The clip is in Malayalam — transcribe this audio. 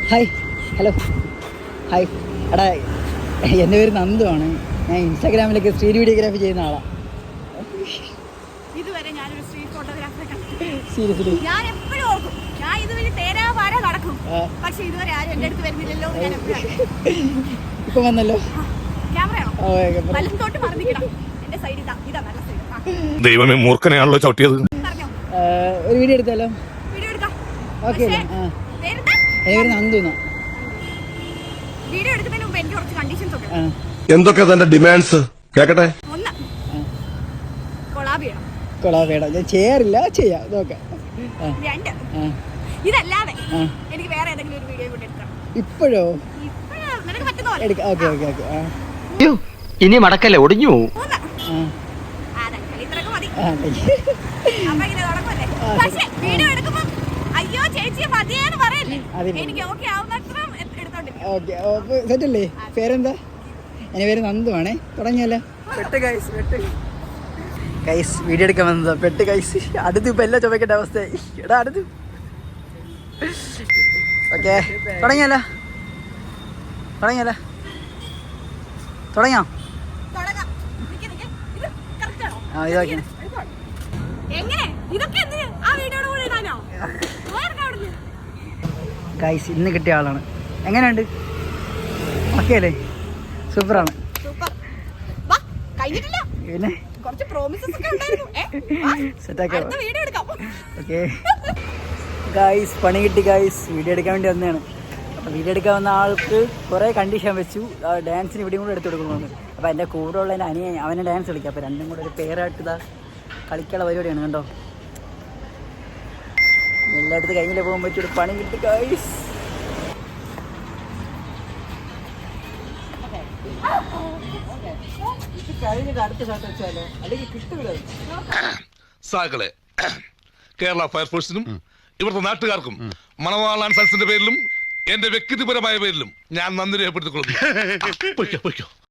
ഹായ് ഹലോ ഹായ് എടാ എൻ്റെ പേര് നന്ദുവാണ്. ഞാൻ ഇൻസ്റ്റാഗ്രാമിലൊക്കെ സ്ട്രീറ്റ് വീഡിയോഗ്രാഫി ചെയ്യുന്ന ആളാണ്. ഇതുവരെ ഞാനൊരു സ്ട്രീറ്റ് ഫോട്ടോഗ്രാഫറെ കണ്ടിട്ടില്ല. സീരിയസ്ലി ഞാൻ എപ്പോഴും ഓർക്കും ഞാൻ ഇതുവഴി തേരാപാര നടക്കും, പക്ഷെ ഇതുവരെ ആരും എൻ്റെ അടുത്ത് വരുന്നില്ലല്ലോ എന്ന് ഞാൻ എപ്പോഴും. ഇപ്പം വന്നല്ലോ. ക്യാമറയാണോ? വലത്തോട്ട് മറന്നിക്കണം. എൻ്റെ സൈഡ് ഇതാ നല്ല സൈഡ്. ദൈവമേ, മൂർഖനെയാണല്ലോ ചവിട്ടിയത്. പറഞ്ഞോ, ഒരു വീഡിയോ എടുത്താലോ? വീഡിയോ എടുക്കാം. ഓക്കെ. പേരെന്താ? എൻ്റെ പേര് നന്ദു എന്നാ. വീഡിയോ എടുക്കുന്നതിന് മുമ്പ് എനിക്ക് കുറച്ച് കണ്ടീഷൻസ് ഒക്കെ. എന്തൊക്കെ തന്റെ ഡിമാൻഡ്സ് കേക്കട്ടെ? ഒന്ന്, കൊളാബ് ചെയ്യണം. കൊളാബ് ചെയ്യണം. ഞാൻ ചെയ്യാറില്ല, ചെയ്യാം നോക്കാം. രണ്ട്, ഇതല്ലാതെ എനിക്ക് വേറെ ഏതെങ്കിലും ഒരു വീഡിയോ കൂടെ എടുക്കണം. ഇപ്പോഴോ? ഇപ്പോഴാണ് നിനക്ക് പറ്റുന്ന പോലെ എടുക്കാം. Okay okay okay. ഇനി മടക്കല്ലേ, ഒടിഞ്ഞു പോവും. മൂന്ന്, അതൊക്കെ ഇത്രയൊക്കെ മതി. ആ അപ്പൊ ഇങ്ങനെ തുടങ്ങുമല്ലേ. പക്ഷേ വീഡിയോ എടുക്കുമ്പോ അയ്യോ ചേച്ചിയെ മതിയെന്ന് പറയല്ലേ. എനിക്ക് ഓക്കെ ആവുന്നത്ര എടുത്തോണ്ടിരിക്കും. ഓക്കെ സെറ്റല്ലേ? പേരെന്താ? എൻ്റെ പേര് നന്ദുവാണേ. തുടങ്ങിയല്ലോ. പെട്ട് ഗൈസ്, പെട്ട് ഗൈസ്. വീഡിയോ എടുക്കാൻ വന്നതാ. പെട്ട് ഗൈസ്. അടുത്ത് ഇപ്പം എല്ലാം ചുമക്കേണ്ട അവസ്ഥയായി. എടാ അടുത്ത്. ഓക്കെ തുടങ്ങിയല്ലോ. തുടങ്ങിയോ? തുടങ്ങാം. നിക്ക്. ഇത് correct ആണോ? ഇതാക്കി എങ്ങനെ ഇതൊക്കെ എന്തിന് ആ വീഡിയോയുടെ കൂടെ ഇടാനോ? അവിടുന്ന് ഗൈസ് ഇന്ന് കിട്ടിയ ആളാണ്. എങ്ങനെയുണ്ട്? ഓക്കെ അല്ലേ? സൂപ്പറാണ്. സൂപ്പർ. വാ, കഴിഞ്ഞിട്ടില്ല. പിന്നെ കുറച്ച് പ്രോമിസസ് ഒക്കെ ഉണ്ടായിരുന്നു. സെറ്റാക്കാം. അടുത്ത വീഡിയോ എടുക്കാം. ഓക്കെ ഗൈസ്, പണി കിട്ടി ഗൈസ്. വീഡിയോ എടുക്കാൻ വേണ്ടി വന്നതാണ്. അപ്പോൾ വീഡിയോ എടുക്കാൻ വന്ന ആൾക്ക് കുറേ കണ്ടീഷൻ വെച്ചു. ഡാൻസിന് ഇവിടെയും കൂടെ എടുത്തു കൊടുക്കണമെന്ന്. അപ്പോൾ എൻ്റെ കൂടെ ഉള്ള എൻ്റെ അനിയൻ അവനെ ഡാൻസ് കളിക്കാം. അപ്പോൾ രണ്ടും കൂടെ ഒരു പെയറായിട്ട് ഇതാ കളിക്കാനുള്ള പരിപാടിയാണ്. കണ്ടോ, എല്ലായിടത്ത് കഴിഞ്ഞില്ലേ പോകാൻ പറ്റിയൊരു പണി കിട്ടി ഗൈസ്. കഴിഞ്ഞിട്ട് അടുത്ത ഷോട്ട് വെച്ചാലോ, അല്ലെങ്കിൽ കിട്ടൂല. സാകളെ കേരള ഫയർഫോഴ്സിനും ഇവിടുത്തെ നാട്ടുകാർക്കും മണവാളാൻ സൽസിന്റെ പേരിലും എന്റെ വ്യക്തിപരമായ പേരിലും ഞാൻ നന്ദി രേഖപ്പെടുത്തിക്കൊള്ളുന്നു.